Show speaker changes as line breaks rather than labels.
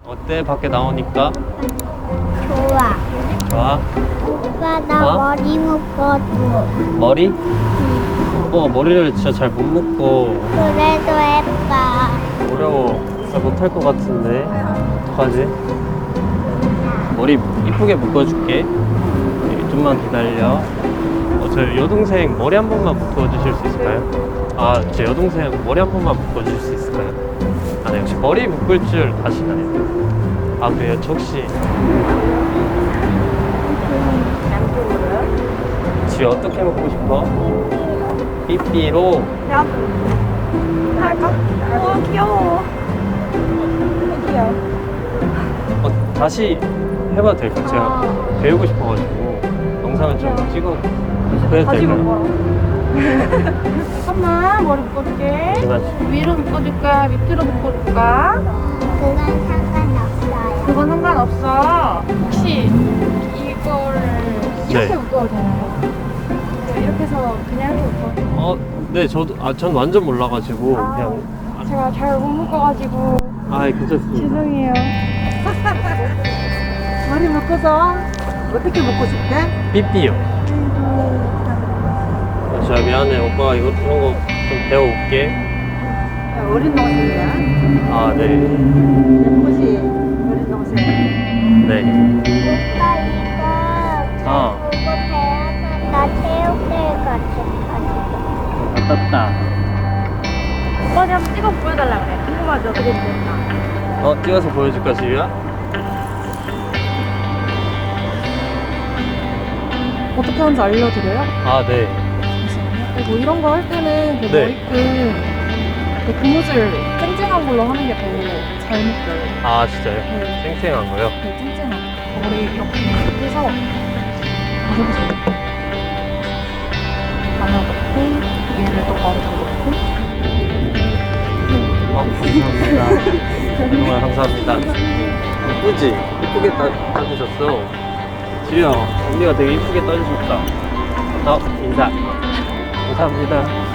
어때? 밖에 나오니까?
좋아.
좋아?
오빠 나
어?
머리 묶어줘.
머리? 머리를 진짜 잘 못 묶고
그래도 예뻐.
어려워. 잘 못할 것 같은데 어떡하지? 머리 이쁘게 묶어줄게. 좀만 기다려. 저 여동생 머리 한 번만 묶어주실 수 있을까요? 아, 제 여동생 머리 한 번만 묶어주실 수 있을까요? 아, 네, 혹시 머리 묶을 줄 아시나요? 아, 그래요? 저 혹시 집에 어떻게 묶고 싶어? 삐삐로?
나도 할까? 귀여워. 귀여워.
다시 해봐도 될까요? 제가 배우고 싶어가지고 영상을 좀 찍어 그래도
다시
될까요?
묶어. 잠깐만, 머리 묶어줄게.
잠깐만.
위로 묶어줄까? 밑으로 묶어줄까?
그건 상관없어요.
그건 상관없어. 혹시 이거를 이렇게
네.
묶어도 되나요? 이렇게 해서 그냥 이렇게 묶어.
네, 전 완전 몰라가지고 그냥
제가 잘 못 묶어가지고
괜찮습니다.
죄송해요. 머리 묶어서 어떻게 묶고 싶대?
삐삐요. 진짜 미안해. 오빠가 이런 거 좀 배워올게.
어린 동생이야.
아, 네.
예쁘지? 어린 동생.
네.
오빠 이거
어.
보고 배워서 나 체육대회 같이 가지고.
떴다.
오빠한테 한번 찍어 보여달라 그래. 궁금하죠? 어떻게 됐나?
찍어서 보여줄까, 지우야?
어떻게 하는지 알려드려요?
아, 네.
잠시만요. 뭐 이런 거 할 때는 그
네.
머리끈 그 고무줄 쨍쨍한 걸로 하는 게 더 잘 묶여요.
아, 진짜요?
네.
쌩쌩한 거요?
네, 쨍쨍한 거. 머리 이렇게 해서 해보세요. 하나 넣고 얘를 또 바로 넣고
감사합니다. 정말 감사합니다. 이쁘지? 이쁘게 따주셨어. 지우야, 언니가 되게 이쁘게 따주셨다. 인사. 감사합니다.